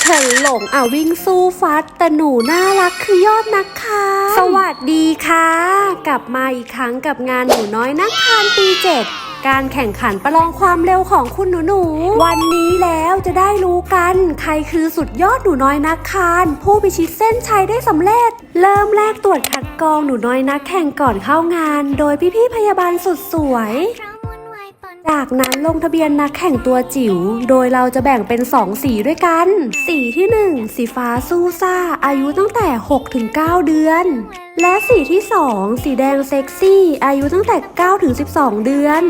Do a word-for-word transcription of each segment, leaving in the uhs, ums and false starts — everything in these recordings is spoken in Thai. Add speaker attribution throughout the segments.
Speaker 1: ฉินหลงอ่ะวิ่งสู้ฟัดแต่หนูน่ารักคือยอดนักคานสวัสดีค่ะกลับมาอีกครั้งกับงานหนูน้อยนักคานปีเจ็ดการแข่งขันประลองความเร็วของคุณหนูหนูวันนี้แล้วจะได้รู้กันใครคือสุดยอดหนูน้อยนักคานผู้พิชิตเส้นชัยได้สำเร็จเริ่มแรกตรวจคัดกรองหนูน้อยนักแข่งก่อนเข้างานโดยพี่ๆพยาบาลสุดสวยจากนั้นลงทะเบียนนักแข่งตัวจิ๋วโดยเราจะแบ่งเป็นสองสีด้วยกันสีที่หนึ่งสีฟ้าสู้ซ่าอายุตั้งแต่ หกถึงเก้า เดือนและสีที่สองสีแดงเซ็กซี่อายุตั้งแต่ เก้าถึงสิบสอง เดือน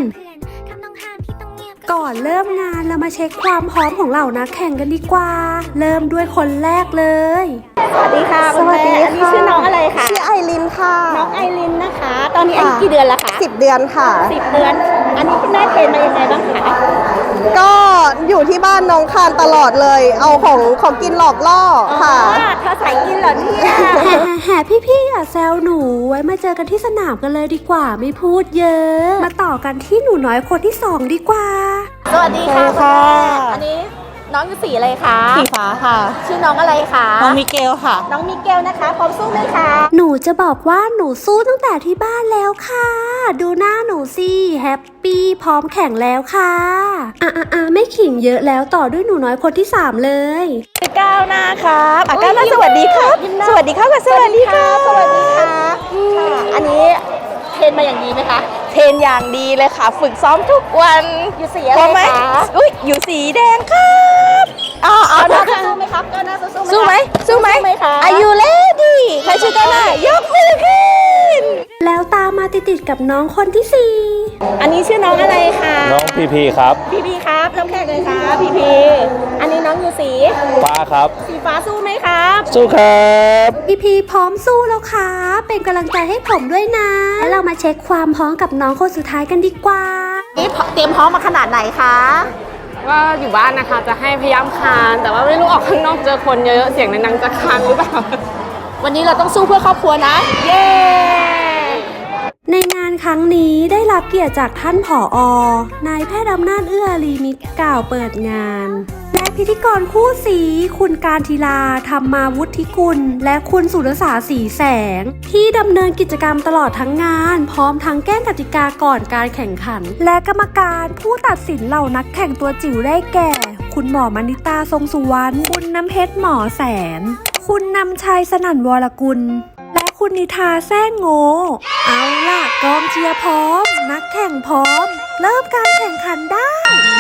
Speaker 1: ก่อนเริ่มงานเรามาเช็คความพร้อมของเหล่านักแข่งกันดีกว่าเริ่มด้วยคนแรกเลย
Speaker 2: สวัสดีค่ะสวัสดีค่ะอันนี้ชื่อน้องอะไรคะ
Speaker 3: ชื่อไอรินค่ะ
Speaker 2: น้องไอรินนะคะตอนนี้อายุกี่เดือนแล้วคะ
Speaker 3: สิบเดือนค่ะ
Speaker 2: สิบเดือนอันนี้คุณแม่เทรนมายังไงบ้างคะ
Speaker 3: ก็อยู่ที่บ้านน้องคานตลอดเลยเอาของของกินหลอกล่อค่ะ
Speaker 2: เธอใส่กินเหรอเนี่ย
Speaker 1: แห่พี่ๆอย่าแซวหนูไว้มาเจอกันที่สนามกันเลยดีกว่าไม่พูดเยอะมาต่อกันที่หนูน้อยคนที่สองดีกว่า
Speaker 2: สวัสดีค่ะค่ะอันนี้น้องอยู่สีอะไรคะ
Speaker 3: สีฟ้าค่ะ
Speaker 2: ชื่อน้องอะไรคะ
Speaker 3: น้องมิเกลค่ะ
Speaker 2: น้องมิเกลนะคะพร้อมสู้ไหมคะ
Speaker 1: หนูจะบอกว่าหนูสู้ตั้งแต่ที่บ้านแล้วค่ะดูหน้าหนูสิแฮปปี้พร้อมแข่งแล้วค่ะอ่ะอ่ะอ่ะไม่ขิงเยอะแล้วต่อด้วยหนูน้อยคนที่สามเลย
Speaker 2: ก้าวหน้าครับก้าวหน้าสวัสดีครับสวัสดีครับสวัสดีครับสวัสดีค่ะอันนี้เทรนมาอย่างดีไหมคะ
Speaker 3: เทรนอย่างดีเลยค่ะฝึกซ้อมทุกวัน
Speaker 2: อยู่สีอะไรคะ
Speaker 3: อุ้ยอยู่สีแดงครับ
Speaker 2: อ๋อเอาหน้าสู้ไหมครับก้าวหน้าสู้
Speaker 3: สู้ไหมสู้ไหมอายุเลดี้ใครชื่อก้าวหน้ายกมือขึ้น
Speaker 1: แล้วตามมาติดๆกับน้องคนที่สี่
Speaker 2: อันนี้ชื่อน้องอะไรคะ
Speaker 4: น้องพีพีครับ
Speaker 2: พีพีครับน้องแขกเลยครับพีพีอันนี้น้องอยู่สี
Speaker 4: ฟ้าครับ
Speaker 2: สีฟ้าสู้ไหมครับ
Speaker 4: สู้ครับ
Speaker 1: พีพีพร้อมสู้แล้วค่ะเป็นกำลังใจให้ผมด้วยนะแล้วเรามาเช็คความพร้อมกับน้องคนสุดท้ายกันดีกว่า
Speaker 2: นี่เตรียมพร้อมมาขนาดไหนคะ
Speaker 5: ว่าอยู่บ้านนะคะจะให้พยายามคานแต่ว่าไม่รู้ออกข้างนอกเจอคนเยอะๆเสียงในนังจะคานหรือเปล่า
Speaker 2: วันนี้เราต้องสู้เพื่อครอบครัวนะเย้
Speaker 1: ในงานครั้งนี้ได้รับเกียรติจากท่านผอ.นายแพทย์อำนาจเอื้อลีมิตรกล่าวเปิดงานและพิธีกรคู่สีคุณการทีลาธรรมาวุฒิกุลและคุณสุรสาสีแสงที่ดำเนินกิจกรรมตลอดทั้งงานพร้อมทั้งแก้กติกาก่อนการแข่งขันและกรรมการผู้ตัดสินเหล่านักแข่งตัวจิ๋วได้แก่คุณหมอมณิตาทรงสุวรรณคุณน้ำเพชรหมอแสนคุณนำชัยสนั่นวรกุลและคุณนิทาแซ่งโง่เอาล่ะกองเชียร์พร้อมนักแข่งพร้อมเริ่มการแข่งขันได้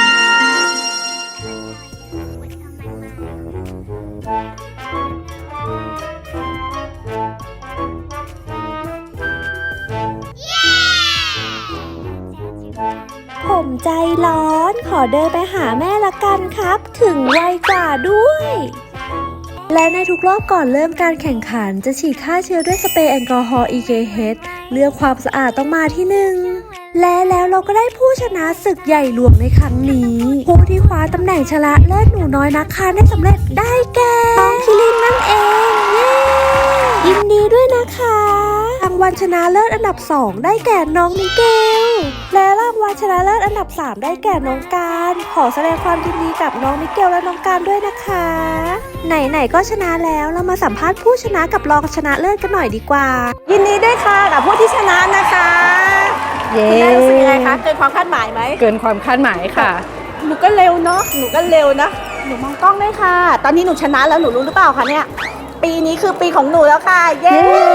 Speaker 1: ผมใจร้อนขอเดินไปหาแม่ละกันครับถึงไวกว่าด้วยและในทุกรอบก่อนเริ่มการแข่งขันจะฉีดฆ่าเชื้อด้วยสเปรย์แอลกอฮอล์ อี เค เอช เรื่องความสะอาดต้องมาที่หนึ่งและแล้วเราก็ได้ผู้ชนะศึกใหญ่หลวงในครั้งนี้ผู้ที่คว้าตำแหน่งชนะเลิศหนูน้อยนักคานได้สำเร็จได้แก่น้องคิรินนั่นเองเย้ยินดีด้วยนะคะรางวัลชนะเลิศอันดับสองได้แก่น้องมิเกลและรางวัลชนะเลิศอันดับสามได้แก่น้องการขอแสดงความยินดีกับน้องมิเกลและน้องการด้วยนะคะไหนๆก็ชนะแล้วเรามาสัมภาษณ์ผู้ชนะกับรองชนะเลิศกันหน่อยดีกว่า
Speaker 2: ยินดีด้วยค่ะกับผู้ที่ชนะนะคะเย้คุณแม่รู้สึกยังไงคะเกินความคาดหมายไหม
Speaker 5: เกินความคาดหมายค่ะ
Speaker 2: หนูก็เร็วเนาะหนูก็เร็วนะหนูมองกล้องด้วยค่ะตอนนี้หนูชนะแล้วหนูรู้หรือเปล่าคะเนี่ยปีนี้คือปีของหนูแล้วค่ะเย้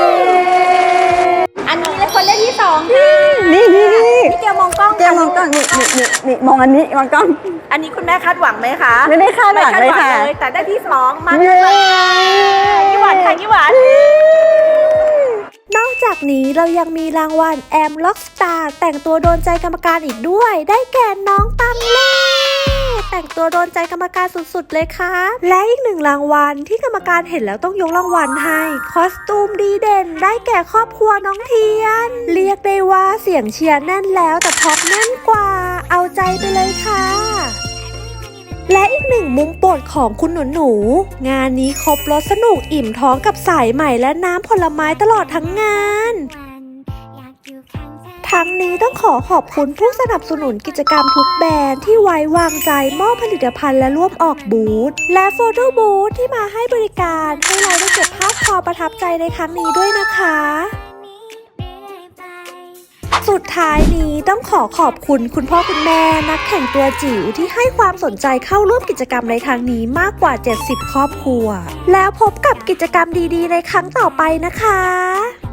Speaker 2: อันนี้เลยคนเล่นที่สองค่ะ
Speaker 3: นี่นี่นี่
Speaker 2: พี่เกียวมองกล้อง
Speaker 3: เกียวมองกล้องนี่นี่นี่นี่มองอันนี้มองกล้อง
Speaker 2: อันนี้คุณแม่คาดหวังไหมคะ
Speaker 3: ไม่ได้คาดหวังเลยค่ะ
Speaker 2: แต่ได้ที่สองมาเลยยี่หวานค่ะยี่หวาน
Speaker 1: นอกจากนี้เรายังมีรางวัลแอมล็อกสตาร์แต่งตัวโดนใจกรรมการอีกด้วยได้แก่น้องตังเล่แต่งตัวโดนใจกรรมการสุดๆเลยค่ะและอีกหนึ่งรางวัลที่กรรมการเห็นแล้วต้องยกรางวัลให้คอสตูมดีเด่นได้แก่ครอบครัวน้องเทียนเรียกได้ว่าเสียงเชียร์แน่นแล้วแต่พ็อปแน่นกว่าเอาใจไปเลยค่ะและอีกหนึ่งมุมโปรดของคุณหนูหนูงานนี้ครบรสสนุกอิ่มท้องกับสายใหม่และน้ำผลไม้ตลอดทั้งงานทรั้งนี้ต้องขอขอบคุณผู้สนับสนุนกิจกรรมทุกแบรนด์ที่ไว้วางใจมอบผลิตภัณฑ์และร่วมออกบูธและโฟโต้บูธที่มาให้บริการให้เราได้เก็บภาพความประทับใจในครั้งนี้ด้วยนะคะสุดท้ายนี้ต้องขอขอบคุณคุณพ่อคุณแม่นักแข่งตัวจิ๋วที่ให้ความสนใจเข้าร่วมกิจกรรมในครั้งนี้มากกว่าเจ็ดสิบครอบครัวแล้วพบกับกิจกรรมดีๆในครั้งต่อไปนะคะ